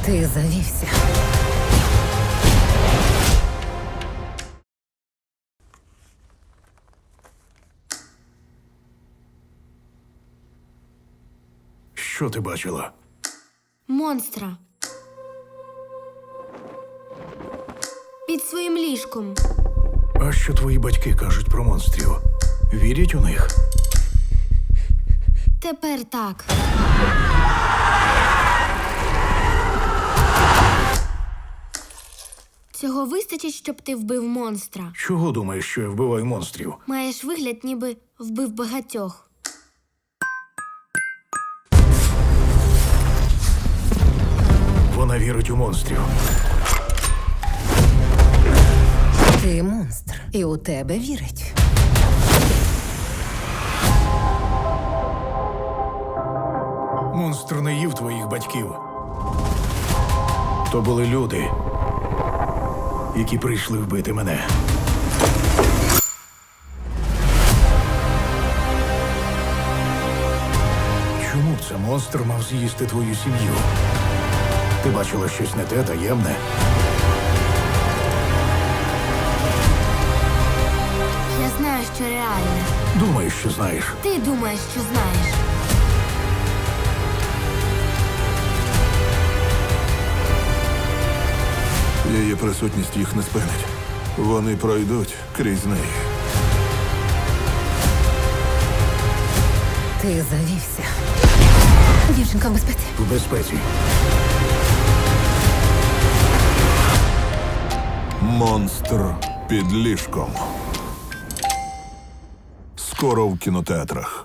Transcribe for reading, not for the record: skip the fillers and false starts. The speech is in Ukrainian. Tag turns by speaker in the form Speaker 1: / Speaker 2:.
Speaker 1: Ти завівся.
Speaker 2: Що ти бачила?
Speaker 3: Монстра. Під своїм ліжком.
Speaker 2: А що твої батьки кажуть про монстрів? Вірять у них?
Speaker 3: Тепер так. Цього вистачить, щоб ти вбив монстра.
Speaker 2: Чого думаєш, що я вбиваю монстрів?
Speaker 3: Маєш вигляд, ніби вбив багатьох.
Speaker 2: Вона вірить у монстрів.
Speaker 1: Ти монстр, і у тебе вірить.
Speaker 2: Монстр не їв твоїх батьків. То були люди, які прийшли вбити мене. Чому б це монстр мав з'їсти твою сім'ю? Ти бачила щось не те, таємне?
Speaker 3: Я знаю, що реальне.
Speaker 2: Думаєш, що знаєш.
Speaker 3: Ти думаєш, що знаєш.
Speaker 4: Її присутність їх не спинить. Вони пройдуть крізь неї.
Speaker 1: Ти завівся. Дівчинка в безпеці.
Speaker 2: В безпеці.
Speaker 4: Монстр під ліжком. Скоро в кінотеатрах.